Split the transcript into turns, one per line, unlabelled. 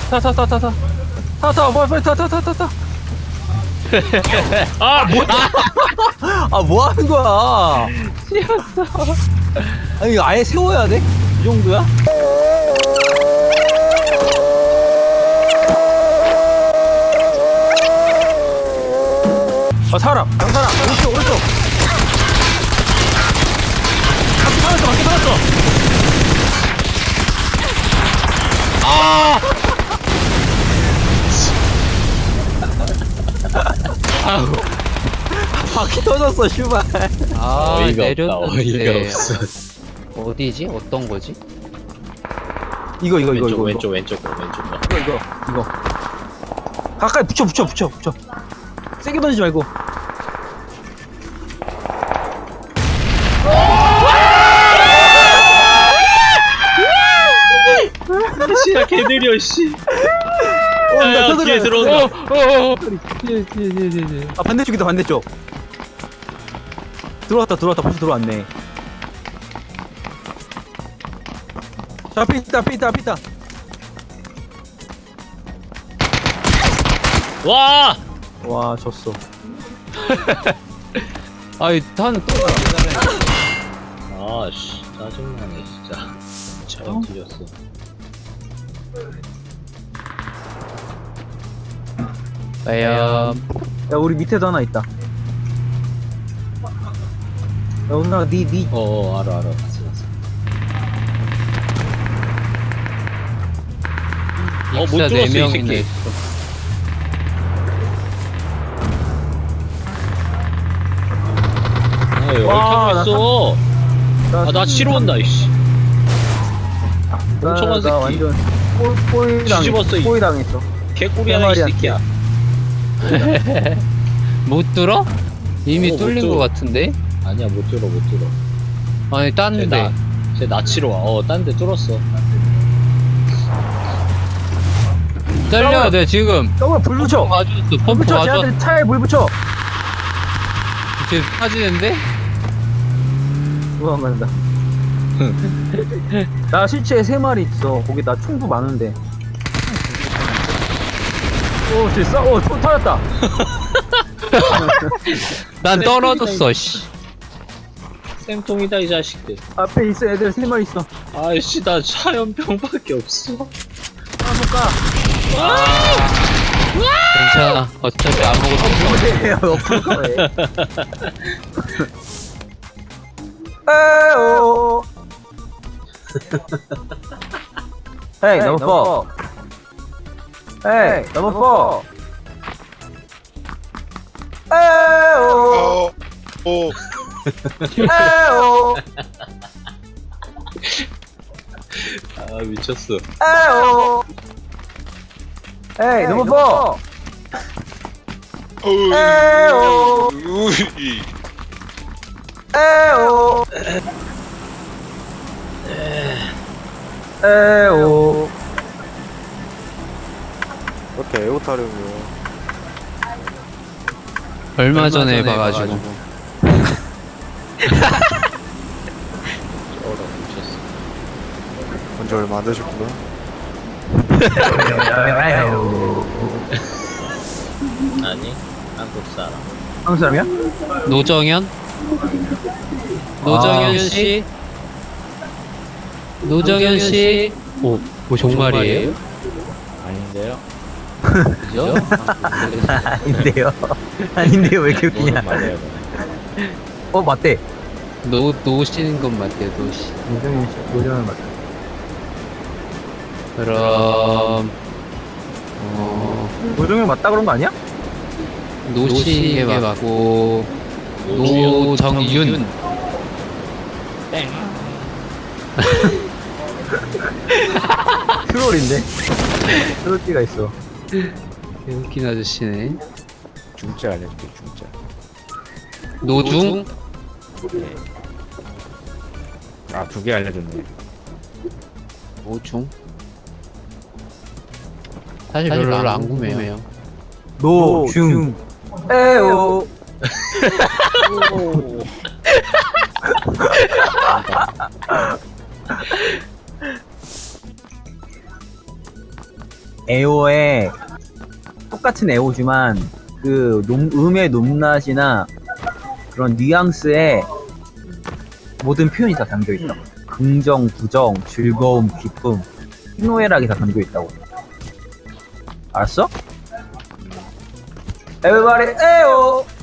빨리 타.
아 뭐야?
아, 뭐 하는 거야?
씌었어.
아니, 이거 아예 세워야 돼? 이 정도야? 아, 사람! 양사람! 오른쪽! 바퀴 살았어!
아! 아우
바퀴 터졌어, 슈발.
아,
어이가
내렸는데.
어이가 없어.
어디지? 어떤 거지?
이거.
왼쪽.
이거. 가까이 붙여. 세게 던지지 말고.
씨야 개 느려 씨.
나
야, 뒤에 들어온다.
뒤에.
아, 반대쪽이다, 반대쪽. 들어왔다. 벌써 들어왔네. 자, 앞에 있다.
와!
와, 졌어.
아이, 탄 또.
아씨 짜증나네 진짜. 저런 뒤졌어.
과연.
야, 우리 밑에도 하나 있다. 야, 오늘 니.
알아. 봤어. 못
익사
들어왔어, 이
4명이네.
새끼. 왜
와,
이렇게 있어? 나 치러 온다 이씨. 멍청한 새끼.
완전
뒤집었어, 이-
꼬이 당했어.
개꿀이 하나 이
대머리한테.
새끼야.
못 들어? 이미
못
뚫린
들어.
것 같은데?
아니야 못 들어.
아니, 땄는데.
쟤나 치러 와. 딴 데 뚫었어.
잘려, 내 지금.
더블 불 붙여.
가져왔어.
불
펌프
붙여.
가져왔어.
쟤한테 차에 물 붙여.
지금 빠지는데?
도망간다. 나 실체 3마리 있어. 거기 나 총도 많은데. 오, 됐어? 총 터졌다.
난 떨어졌어, 씨.
쌤통이다 이 자식들.
앞에 있어, 애들 3마리 있어.
아이씨 나 차연병밖에 없어.
가볼까?
괜찮아. 어차피 아무것도 없어.
왜? 엎을 거에. 에오. Hey, number 4. Hey, number 4. 에오.
오.
에오.
아 미쳤어.
에오. Hey, number 4. 에오.
우이.
에오. 에오.
이렇게 에오 타령이요.
얼마 전에 봐가지고.
쩔어 미쳤어.
본지 얼마 안 되셨구나.
아니 한국 사람.
한국 사람이야?
노정현? 노정현 씨? 노정현 씨? 오, 뭐 정말이에요?
아닌데요?
그죠?
아닌데요. 아닌데요. 왜 이렇게 웃기냐?
맞아요.
맞대.
노시는 건 맞대요, 노시.
노정현 씨, 노정현 맞다.
그럼,
노정현 맞다 그런 거 아니야?
노시게 맞고, 노정윤.
땡.
트롤인데? 트롤띠가 있어.
웃긴 아저씨네.
중짜 알려줄게 중짜.
노중?
아 2개 알려줬네.
노중? 사실 별로 안 궁금해요.
노중. 에오. 에오에 똑같은 에오지만 그 음의 높낮이나 그런 뉘앙스에 모든 표현이 다 담겨 있다. 긍정, 부정, 즐거움, 기쁨, 희노애락이 다 담겨 있다고. 알았어? Everybody 에오.